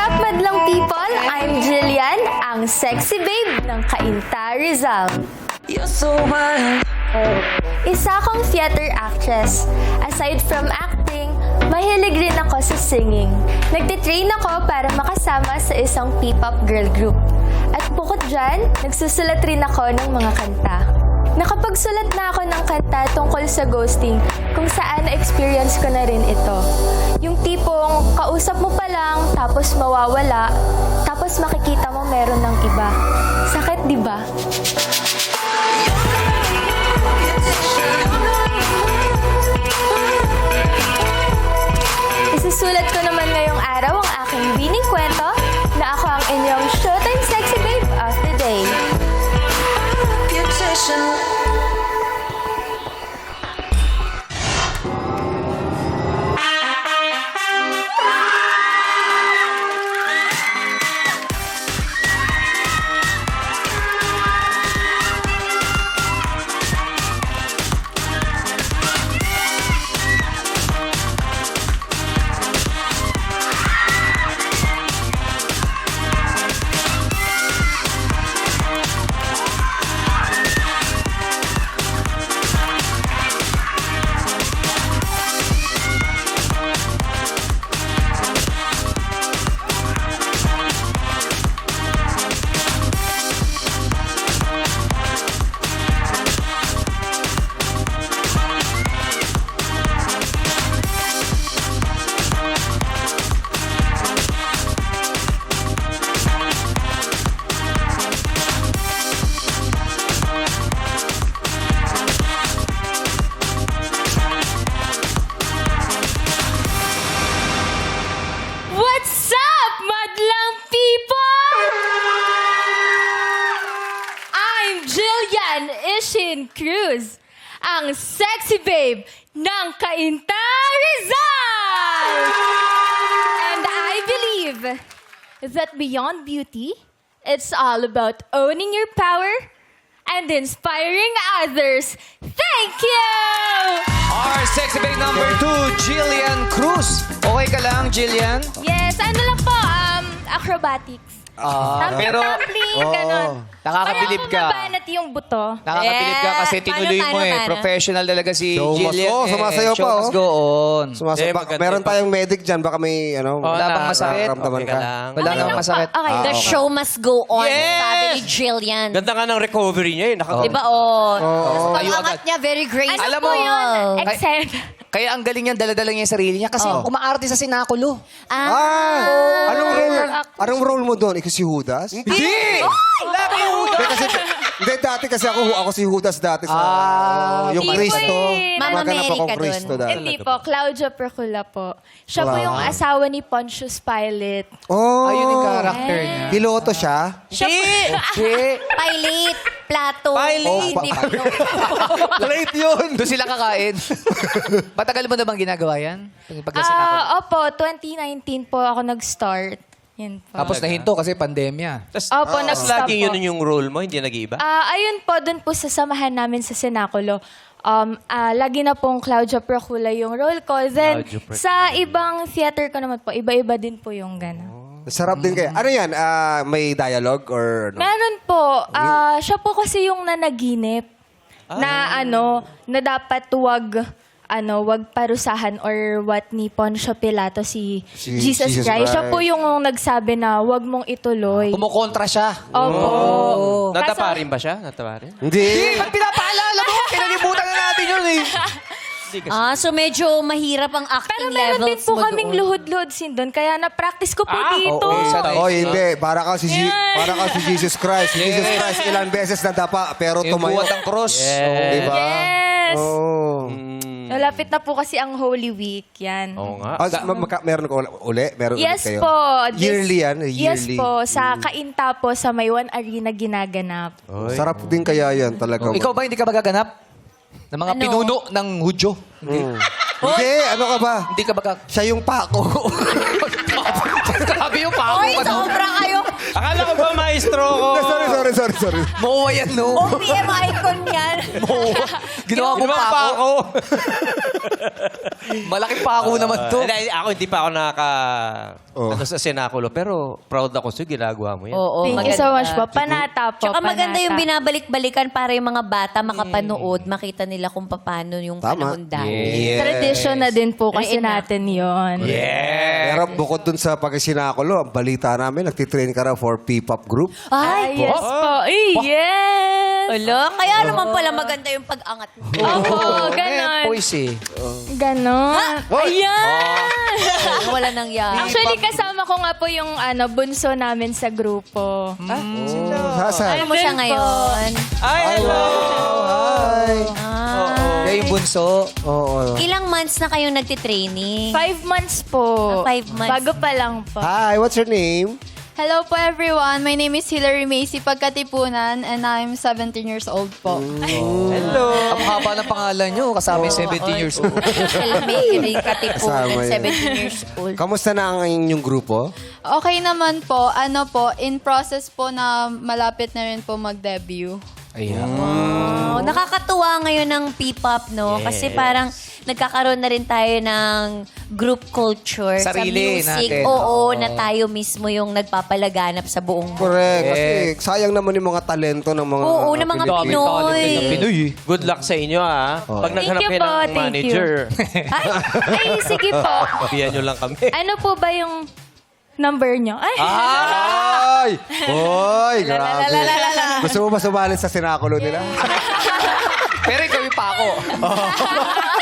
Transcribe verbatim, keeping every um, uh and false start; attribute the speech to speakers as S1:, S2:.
S1: up, madlang people? I'm Jillian, ang sexy babe ng Cainta Rizal.
S2: You're so wild.
S1: Isa akong theater actress. Aside from acting, mahilig rin ako sa singing. Nagtitrain ako para makasama sa isang P-pop girl group. At bukod dyan, nagsusulat rin ako ng mga kanta. Nakapagsulat na ako ng kanta tungkol sa ghosting kung saan na-experience ko na rin ito. Yung tipong kausap mo pa lang, tapos mawawala, tapos makikita mo meron ng iba. Sakit, di ba? Isusulat ko naman ngayong araw ang aking bining kwento na ako ang inyong Showtime Sexy Babe of the Day. What's up, madlang people? I'm Jillian Ishin Cruz, ang sexy babe ng Cainta Rizal! And I believe that beyond beauty, it's all about owning your power and inspiring others. Thank you!
S3: Our sexy babe number two, Jillian Cruz. Okay ka lang, Jillian?
S1: Yes, ano lang po, um, acrobatics.
S3: Ah, pero
S1: Tumbling, ganon.
S3: nakakabilib
S1: Para
S3: ka.
S1: mabanat yung buto.
S3: Nakakabilib ka kasi
S4: Yes.
S3: tinuloy
S4: Paano,
S3: mo eh.
S4: paano,
S3: Professional talaga si
S5: Show must
S3: Jillian.
S5: go.
S3: eh.
S5: Sumasayaw
S3: Show
S5: pa,
S3: must
S5: oh.
S3: go on.
S5: Sumasa-
S6: Eh,
S5: ba-
S6: maganda
S5: meron
S6: yung-
S5: tayong medic dyan. Baka may, ano,
S3: Wala bang masakit?
S5: nararamdaman
S6: Okay
S5: ka.
S6: ka lang.
S3: Wala namang masakit.
S1: Okay.
S4: The
S5: okay.
S4: show must go on,
S6: Yes!
S4: sabi ni Jillian.
S6: Ganda nga ng recovery niya eh. Naka-
S4: Diba, oh.
S5: Oo.
S3: Tayo
S4: Pag-angat
S3: agad.
S4: niya, very graceful.
S1: Ano
S3: Alam
S1: po
S3: mo,
S1: yun?
S3: kay-
S1: Excel.
S3: Kaya ang galing niyan, dala-dala niya yung sarili niya kasi
S5: Oh.
S3: umaarte sa sinakulo.
S4: Ah.
S5: Ah! Anong role, anong role mo doon? Ikaw si Judas?
S3: Hindi!
S5: Hindi, kasi, hindi, dati kasi ako, ako si Judas dati sa
S3: Ah,
S5: yung
S1: Hindi po
S5: Kristo.
S1: eh.
S4: Mama
S5: Gumaganap
S4: Mary
S5: akong
S4: ka dun.
S5: Kristo dati.
S1: Hindi po, Claudia Procula po. Siya po yung asawa ni Pontius Pilate.
S5: Oh!
S3: Ayun yung character niya.
S5: Piloto siya?
S1: Siya po,
S3: Okay.
S4: Pilate, Plato.
S6: Pilate.
S4: Hindi
S5: Oh,
S4: ko know.
S5: Late yun!
S3: Doon sila kakain. Matagal mo na bang ginagawa yan? Pag sa sinakol.
S1: ah, opo, twenty nineteen po ako nag-start. Yan po.
S3: Tapos nahinto kasi pandemya.
S6: Tas,
S1: Opo,
S6: tas
S1: nag-stop
S6: laging
S1: po.
S6: yun yung role mo, hindi nag-iiba?
S1: Ah, ayun po, dun po sa samahan namin sa Senaculo. Um, ah, lagi na pong Claudia Procula yung role ko. Then,
S6: Claudia Procula.
S1: sa ibang theater ko naman po, iba-iba din po yung gano'n.
S5: Sarap din kayo. Ano yan? Ah, may dialogue or ano?
S1: Meron po. Ah, siya po kasi yung nanaginip na ano, na dapat wag ano, wag parusahan or what ni Poncio Pilato si,
S5: Si
S1: Jesus,
S5: Jesus
S1: Christ. Siya
S5: Christ.
S1: po yung nagsabi na wag mong ituloy.
S3: Kumukontra siya.
S1: Opo.
S6: Nataparin ba siya? Nataparin?
S5: Hindi!
S3: Ba't pinapaalala mo? Kinalimutan na natin yun eh.
S4: Ah, so medyo mahirap ang
S1: Pero
S4: acting
S1: meron din
S4: levels
S1: po
S4: mo
S1: kaming
S4: doon.
S1: luhod-luhod sin doon. Kaya na-practice ko po
S6: Ah,
S1: dito.
S3: oo, isa tayo.
S5: Oh, hindi. Para ka si, Je-
S1: Yan.
S5: para ka si Jesus Christ. Si Jesus Christ ilang beses na dapa, pero
S3: Yung
S5: tumayo.
S3: buhat ng cross.
S5: Diba?
S1: Yes.
S5: Oh.
S1: Malapit na po kasi ang Holy Week. Yan.
S6: Oo nga.
S5: Ah, ma- maka- meron ko uli? Meron ulit
S1: Yes
S5: kayo?
S1: po. This-
S5: Yearly yan?
S1: Yes
S5: Yearly.
S1: po. Sa Cainta po, sa Maywan Arena ginaganap.
S5: Sarap din kaya yan talaga.
S3: Oh, ikaw ba hindi ka magaganap? Ng mga
S4: Ano?
S3: pinuno ng Hudyo?
S5: Mm. Hindi, ano ka ba?
S3: Hindi ka baga...
S5: Siya yung pako.
S3: Grabe yung pako.
S4: Oy, sobra kayo.
S6: Akala ko ba maestro ko?
S5: Sorry, sorry, sorry, sorry.
S7: Mowa yan, no?
S4: O P M icon yan.
S7: Ginawa mo
S6: Ginawa
S7: pa
S6: pa
S7: ako.
S6: ako.
S7: Malaki pa ako naman to.
S6: Hindi, ako hindi pa ako nakaka...
S5: Oh.
S6: Ano sa senakulo, pero proud ako sa'yo, ginagawa mo yan.
S4: Oo,
S1: Thank you
S4: maganda.
S1: so much po. Panata po.
S4: Tsaka maganda
S1: panata.
S4: yung binabalik-balikan para yung mga bata makapanood, makita nila kung paano yung
S5: Tama.
S4: panahon dati.
S3: Yes.
S1: Tradition na din po kasi
S4: Right na.
S1: natin yon.
S3: Yeah.
S5: Pero bukod dun sa pagkasinakulo, ang balita namin, nagtitrain ka raw for P-pop group.
S4: Ay,
S1: Yes po. Eh, yes!
S4: Wala, kaya naman pala maganda yung pag-angat mo.
S1: Opo, ganon.
S7: Voice eh.
S1: Ganon. Ayan!
S4: Wala nang yan.
S1: Actually, kasama ko nga po yung ano, bunso namin sa grupo.
S5: Saan?
S4: Ano mo siya
S1: Ayun po.
S4: ngayon?
S6: Ay, hello!
S5: Hi!
S4: Ah.
S7: Kaya yung bunso.
S5: Oo.
S4: Ilang months na kayong nagtitraining?
S1: Five months po.
S4: Ah, five months.
S1: Bago pa lang po.
S5: Hi, what's your name?
S8: Hello po everyone. My name is Hilary Macy Pagkatipunan and I'm seventeen years old po.
S6: Hello!
S7: Ang haba ng pangalan nyo, kasama yung seventeen years old.
S4: Mary Katipunan,
S5: Kasama yun.
S4: seventeen years old.
S5: Kamusta na ang inyong grupo?
S8: Okay naman po. Ano po, in process po na malapit na rin po mag-debut.
S7: Ayan.
S4: Oh, nakakatuwa ngayon ng P-pop, no? Kasi parang nagkakaroon na rin tayo ng group culture
S7: Sarili
S4: sa music.
S7: natin.
S4: Oo, na tayo mismo yung nagpapalaganap sa buong mundo.
S5: Correct. Kasi sayang naman yung mga talento ng mga...
S4: Oo, ng mga
S7: Dami
S4: Pinoy.
S7: talented na Pinoy eh.
S6: Good luck sa inyo, ah. Pag naghanap
S1: you
S6: kayo
S1: po,
S6: ng
S1: thank you.
S6: manager,
S4: Ay,
S1: Ay, sige po.
S6: biyan nyo lang kami.
S1: Ano po ba yung number nyo? Ay,
S5: Ay! Hoy, grabe. Gusto mo ba sumali sa sinakulo nila?
S7: Pero ikaw yung pa ako.